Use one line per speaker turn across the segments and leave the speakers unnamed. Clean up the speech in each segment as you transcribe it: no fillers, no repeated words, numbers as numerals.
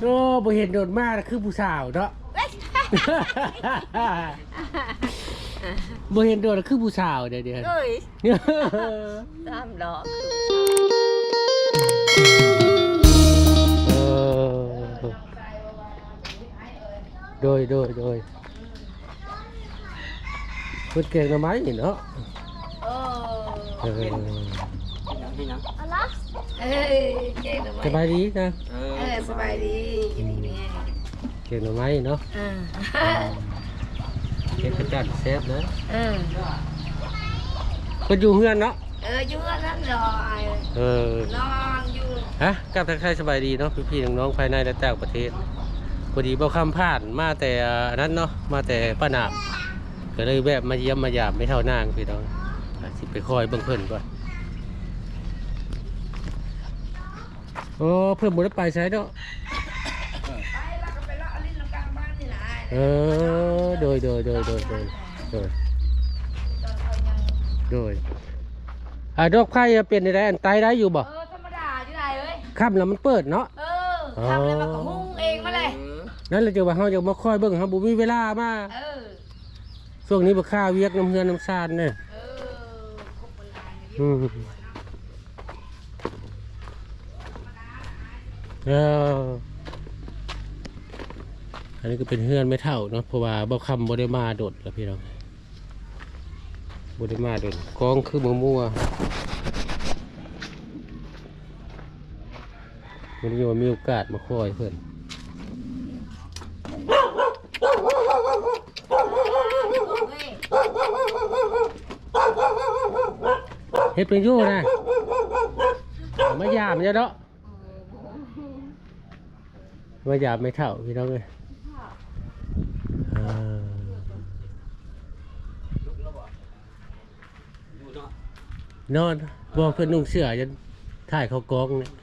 โอ้บ่เห็นโดนมากคือผู้สาวเนาะบ่เห็นโดนคือผู้สาวเดี๋ยว
เอ้ยตามดอก
โดยเพิ่นเก่งหน่อไม้นี่เนาะสบายดีนะ
สบายดี
เก่งหน่อไม้เนาะเก่งกระจัดแซ่บนะก็อยู่เฮือนเนาะ
อยู่เฮือนนั่นดอยนอนอยู่
ฮะกับทักทายสบายดีเนาะพี่ๆน้องๆภายในและต่างประเทศพอดีบ่คำผ่านมาแต่นั้นเนาะมาแต่ป้าหนามก็เลยแวะมาเยี่ยมมายามไม่เท่านางพี่น้องสิไปคอยเบิ่งเพิ่นก่อนโอ้เพิ่นบ่ได้ไปใช้เนาะโดยดอกไผ่เป็นได้อันตายได้อยู่บ่
ธรรมดาอยู่ได้เอ้ย
ค่ำแล้วมันเปิดเนาะ
ค่ำแล้วมันก็หุ้งเองมาเลย
นั่นแหละจะว่าเฮาจะมาคอยเบิ่งเฮาบ่มีเวลามาช่วงนี้บ่ค่าเวียกน้ำเฮือนน้ำซานเนี่ยอันนี้ก็เป็นเฮือนไม่เท่าเนาะเพราะว่าบ่คำบ่ได้มาโดดแล้วพี่น้องบ่ได้มาโดดกองคือมั่ววันนี้ว่ามีโอกาสมาคอยเพื่อนเฮ็ดเป็นยู่นะมายามเนาะมายามไม่เท่าพี่น้องเลยนอนบอกเพื่อนนุ่งเสื้อจะถ่ายเขากองเนี่ย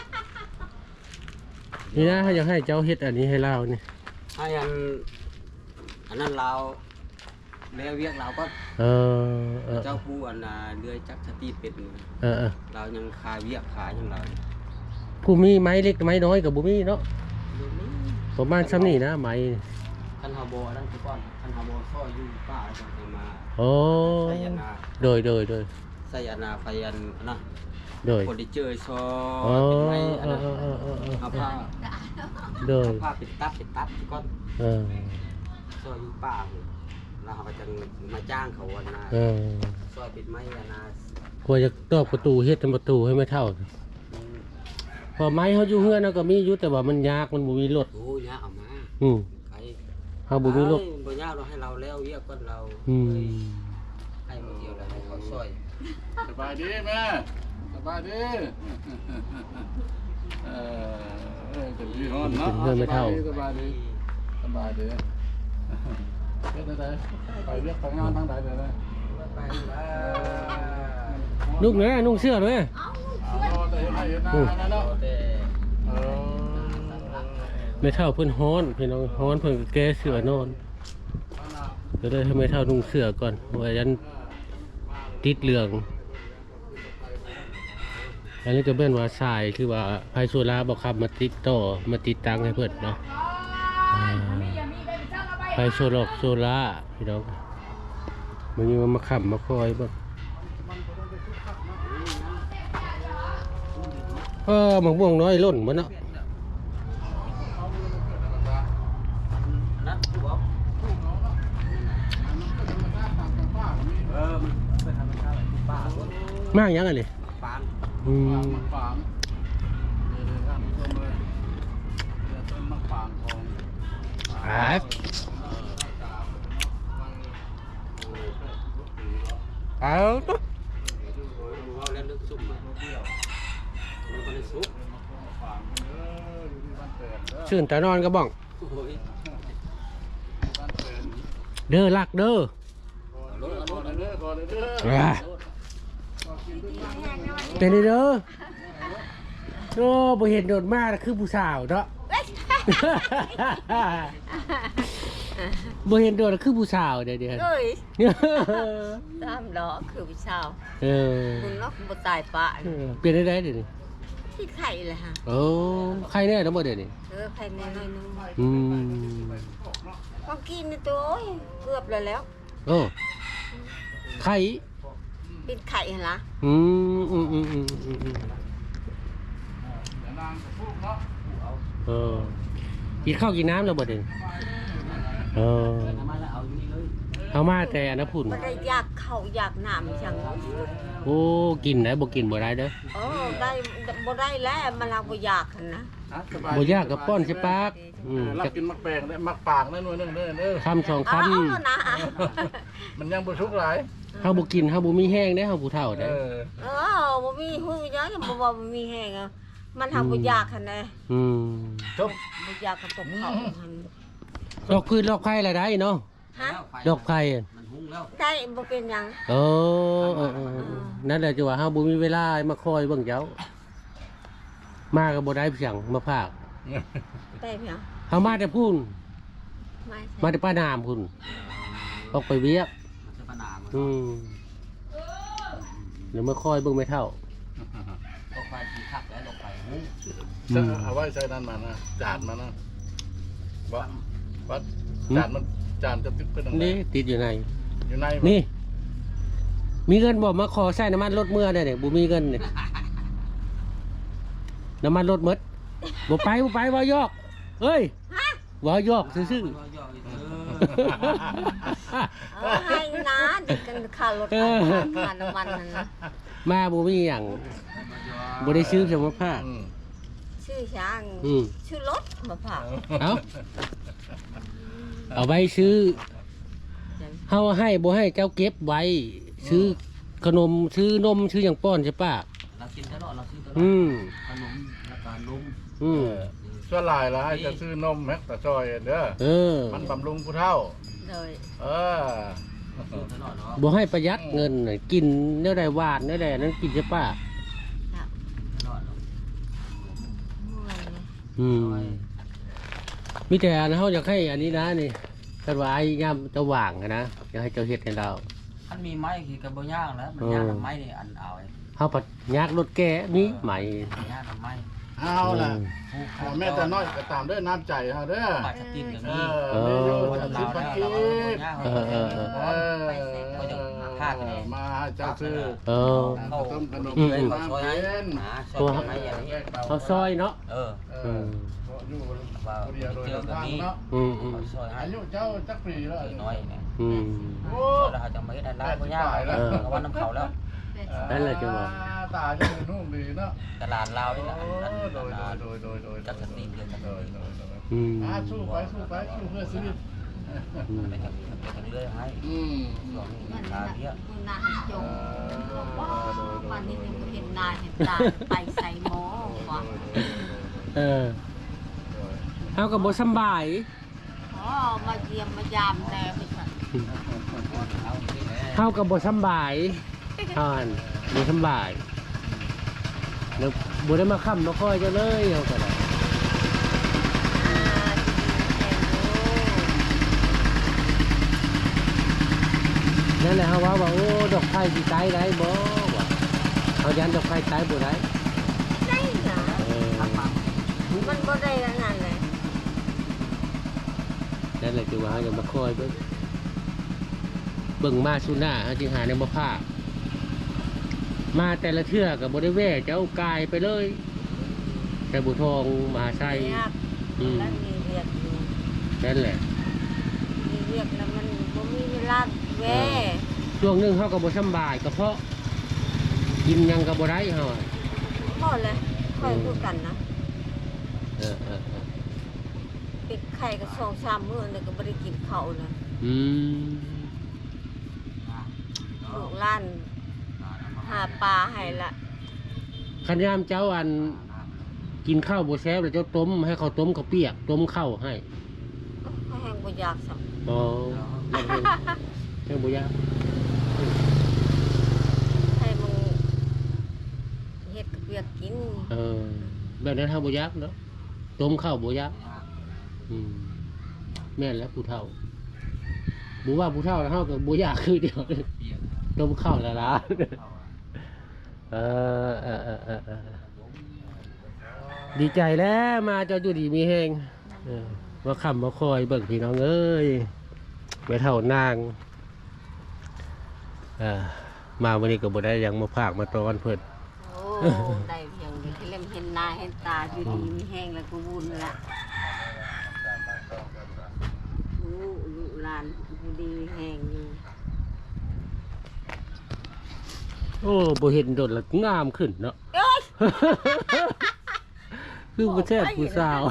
นี่นะอยากให้เจ้าเฮ็ดอันนี้ให้เราเนี่ย
ให้อันนั้นเราเลี้ยงเวียกเราก็เจ้าผู้อันเลื่อยจักรสตีเป็นเรายังขายเวียกขายอย่างเรา
ผู้มีไม้เล็กไม้น้อยกับบุมีเนาะประมาณซ้ำนี่นะไม้
คันฮาโบนั่นคือก้อนคันฮาโบซ่อยอยู่ป้าจังมา
โอ้โดย
ใส่อันไฟอันนะ
โดย
คนที่เจอซอเป็นไม้อันนั้นเอาผ้า
โดย
ผ้าปิดตับก้อนซอยอยู่ป้าเราเขาจะมาจ้างเขาวันน่ะซอยปิดไม้อันน่ะ
กลัวจะตอกประตูเฮ็ดทำประตูให้ไม่เท่าพอไม้เขาอยู่เฮือนก็มีอยู่แต่ว่ามันยากมันบ่มีรถ
โอ้ยากเอามา
เขาบ่มีรถ
บ่ยากเราให้เราแล้วเรียกก้อนเราให้มาเดียวแล้วให้เขาซอย
สบายดีแม่สบายดีเป็นพี่น้องเนาะ
เพื่อนไม่เท่า
สบายดีเฮ็ดได้ไปเรียกไปงานทางใดได้
ลูกนะนุ่งเสื้อด้วยไม่เท่าเพื่อนฮ้อนพี่น้องฮ้อนเพื่อนแก้เสื้อนอนก็ได้ทำไมเท่านุ่งเสื้อก่อนว่ายันติดเหลืองอันนี้ก็เป็นว่าทรายคือว่าไพโซล่าบอกครับมาติดต่อมาติดตั้งให้เพื่อนเนาะไพโซล่าพี่น้องมันยังมาขับมาคอยบ้างหมกม่วงน้อยล้นมันเนาะมากยังไงเลยเอาตุ๊กชื่นแต่นอนก็บ้องเด้อลักเด้อเป็นเด้อโอ้บ่เห็นโดนมากคือผู้สาวเนาะบ่เห็นโดนคือผู้สาวเดี๋ยว
ตามดอกคือผู้สาว
คุณ
เนาะบ่ตายปะ
เปลี่ยนได้เดี๋ยวนี้
ที่ไข่เลยฮะ
โอ้ใครแน่ทั้งหมดเดี๋ยวนี้
ไข่แน่หน่อยนึง
อืม
ก็กินในตัวโอ้ยเกือบเลยแล้ว
โอ้ไข่
เป็นไข่เหรอ
อืมอืมอืมอืมอืมอืม
เดี๋ยวนางกับพวกเนาะ
เออกินข้าวกินน้ำแล้วบ่เดี๋ยวนี้เออ
มาแล้วเอาอยู่นี่เลย
เอามาแต่อันนพุ่น
ไม่ได้อยากเข้าอยากน้ำจัง
โอ้กินได้บ่กินบ่ได้เด้อ
ได้บ่ได้แล้วมันเราบ่อยากหั่นนะ
สบาย
บ่ยากกับป้อนใช่ปากอืม
รับกินมักแปลงได้มักปากได้หน่วยนึงเด้อเด้อ
คำสองค
เอานะ
มันยังบ่ชุกหลาย
ำเฮาบ่กินเฮาบ่มีแห้งเด้อเฮาผู้เฒ่า
เอ
เด้อ
อ
บ่มีหูยังบ่ว่าบ่มีแห้งอ่ะมันทำบ่อยากหั่นนะ
อืม
จบ
บ่อยากกับตกเขาหั่น
ดอกพืชดอกไผ่ละได้เนาะ
ฮะ
ดอกไผ่อะ
มันหุ้งแล้ว
ได้บ่เป็นหยัง
เออนั่นแหละจังว่าเฮาบ่มีเวลามาคอยเบิ่งเจ้า มาก็บ่ได้เพียงมาพาก
ได้เพียง
เฮามาแต่พูน
ไม่
มาแต่ป้านามพุ่นออกไปเวียก
มันจะปนามัน
อืมเดี๋ยวมาคอยเบิ่งไม่เท่า
ลงไปที่คักแล้วลงไปหุ้ง
เอาไว้ใส่นั่นมานะจานมานะวัดจานจะติดเป็นอะไร
นี่ติดอยู่ใน
อยู่ใน
นี่ มีเงินบอกมาขอใส่น้ำมันรถเมื่อได้เนี่ยบุมีเงินเนี่ยน้ำมันรถหมดบ่ไปว่ายอกเฮ้ยว่ายอกซื่อ
มันย่ออีก
ให้นะเด็กกันค่ารถค่าน้ำมันนั่นนะ
ๆมาบ่มีอย่างบ่ได้ซื้อสมภาพ
ชื่อช้าง
อืม
ชื่อรถมาผ่า
เอาไว้ซื้อเฮาให้บ่ให้เจ้าเก็บไว้ ซื้อขนมซื้อนมซื้ออย่างป้อนใช่ป่ะ
เรากินตลอดเราซื้อตลอด
อืม
ขนมแล้วก็นม
อืม
ส่วนหลายละจะซื้อนมแม็กตะซอยเด้อ
เออ
มันบำรุงผู้เฒ่า
เลย
เออ
ซื้อตลอดเนาะ
บ่ให้ประหยัดเงินน่ะกินเนื้อใดหวานเนื้อใดนั้นกินใช่ป่ะ
ตลอดเนาะ
เมื่อยเลย
อืมมีแต่อันเฮาอยากให้อันนี้นะนี่คันว่าไอ้ยามจะว่างอะนะอยากให้เจ้าเฮ็ดให้เรา
มันมีไม้คือกับบ่ย่างแล้วมันย่างกับไม้นี่อันเอาไอ้
เฮาปัดยากรถแก่มีไหม
ย่างกับไม้
เอาล่ะแม่แต่น้อยก็ตามด้วยน้ำใจเฮาเด้อ
ปาดสตินกับ
เอ
นี่
อเมนูจะซื้อพักกีบ
เออ
มาเจ้าซื้อ
เออ
ต้มขนม
อืม
เป็นน้ำเย็น
ตัวไม้อย่างนี้
เฮาซอยเนาะ
เออ
อยู่คนเดียวโดยทางเนาะ
อืม
ซอยให้
อายุเจ้าจักปีแล้ว
น้อยเนี่ย
อืม
โอ้
ซอยเราจะไม่ได้ร้านบ่ย่างก็ว่าน้ำเขาแล้ว
นั่นแหละจังหวะ
ตาจะนุ่มดีเนาะ
ตลาดลาวนี่แหละ
โดยจักสติเกินโดย
อืม
สู้ไปสู้เพื่อชีวิต
อืม
ไปทางเรื่อยให้
อืม
ช่วงนี้
มัน
รา
น่ะ
เยอะ
คุณนาจงวันนี้ยังเห็นนาเห็นตาไปใส่หม้อว่ะ
เออเฮาก็บ่สำบาย
มาเยี่ยมมายามแต่ไม่ใช่
เฮาก็บ่สำบายอ่านบ่สำบายแล้วบ่ได้มาค้ำมาคอยเจ้าเลยเฮาก็ได้ นั่นแหละเขาว่าโอ้ดอกไผ่สิตายได้บ่ว่าเขายันดอกไผ่ตายบ่ได้
ได้นะ
เออ
มันบ่ได้ขนาดเลย
นั่นแหละคือว่าเขาจะมาคอยเบิ่งมาสุหน้าเขาจึงหาในบ่พลาดมาแต่ละเทื่อก็บ่ได้แว่เจ้ากายไปเลย แต่บุทองมหาชัย
เรียกแล้วมีเรียกอยู่
นั่นแหละ
มีเรียกแล้วมันบ่มีเวลาแว่
ช่วงหนึงเขาก็บ่สำบายก็เพราะกินหยังก็บ่ได้เฮาอะ
พอเลยค่อยพูดกันนะ
เออ
ปิดไข่ก็2-3มื้อนี่ก็บ่ได้กินข้าวนะ
อืม
ลูกหล้านหาปลาให้ละ
คันยามเจ้าอันกินข้าวบ่แซ่บแล้วเจ้าต้มให้เขาต้มข้าวเปียกต้มข้าวให้
ก็แห้งบ่อยากสัก
อ๋อแค่บุยา
ให้มึงเฮ็ดกับเปียกกิน
แบบนั้นทำบุยักเนาะต้มข้าวบุยักแม่นแล้วผู้เฒ่าบุว่าผู้เฒ่าแล้วเฮากับบุยักคือเดียวต้มข้าวละล้าดีใจแล้วมาเจ้าอยู่ดีมีแฮงมาคำมาคอยเบิ่งพี่น้องเอ้ยไปเท่านางมาวันนี้ก็บ่ได้ยังมาพากมาตอนเพิ่น
โอ้ได้เพียงเดียวที่เล่มเห็นหน้าเห็นตาอยู่ดีมีแห้งแล้วก็บุญละลูกหลานอยู่ดีมีแห้งอยู่
โอ้บ่เห็นโดดละงามขึ้นเนาะ คือบ่แท้ผู้สาว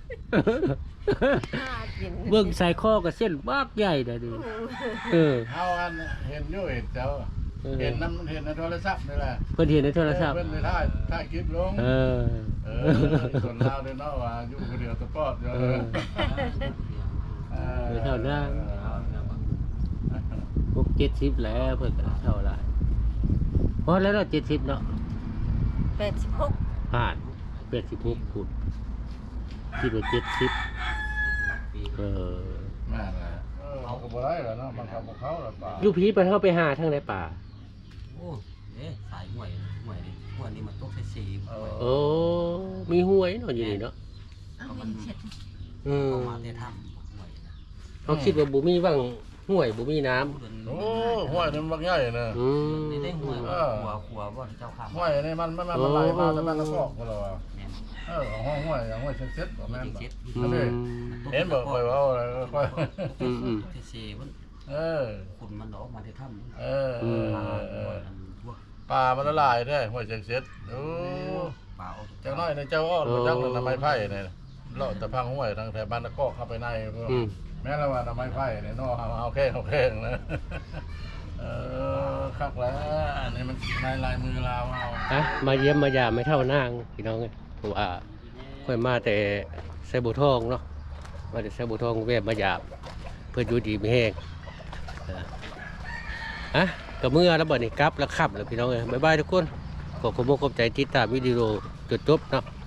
เบิ่งใส่คอกับเส้นบากใหญ่เด้อดิเออ
เฮาอันเห็นอยู่เห็นเจ้าเห็นน้ำเห็นในโทรศัพท์นี่แหละ
เพิ่นเห็นในโทรศัพท์
เพิ่นไปถ่ายคลิปลง
เออ
ส่วนเราเนี่ยเนาะว่าอยู่คนเดียวตะปอดอยู่
ไปเท่านั้น พวก70แล้วเพิ่นก็เท่าไหร่พอแล้วเนาะ70เนาะ
86
ผ่าน86พูดคิดว่า70
แม่นแหละเอาก็บ่ได้แล้วเนาะมันก็บ่เข้าแล้วป่า
อยู่พีไปเฮาไปหาทางไหนป่า
โอ้เอ๊ะสายห่วยนี่มันตกใส่สีห่วย
โอ้มีห้วยเนาะอยู่นี่เนาะ
เอาเงินเช็ด
เข้ามาได้ถ้ำห่วยนะ
เขาคิดว่าบ่มีว่างห้วยบ่มีน้ำ
โอ้ห้วยนี่มันบักใหญ่นะ
นี่ได้ห่วยขัวว่าเจ้าข้าม
ห้วยนี่มันไหลมาแต่มันละกอกบ่ล่ะ
แม่น
ห้วยเซ็ตๆบ่แม่น
เจ็ด
เห็นบ่ค่อยเว้าค่อย
ใส่สีมัน ขุนมันออกมาได้ถ้ำ
ป่ามันละลายเด้ห้วยเซ็ตโอ้
ป่าออก
จังน้อยในเจ้าอ้อบ่จักน้ำไม้ไผ่นี่เลาะตะพังห้วยทางแถวบ้านตะกอกเข้าไปในแม้แล้วว่าน้ำไม้ไผ่นี่เนาะเอาแค่นะคักแล้วอันนี้มันลายมือลาวเอา
มาเยี่ยมมายามไม่เท่านางพี่น้องเพราะว่าค่อยมาแต่ไซบุทองเนาะมาแต่ไซบุทองแวะมายามเพื่ออยู่ดีไม่แห้งกับเมื่อแล้วบ่นี่กลับแล้วขับแล้วพี่น้องบ๊ายบายทุกคนขอบคุณมากขอบใจติดตามวิดีโอจนจบเนาะ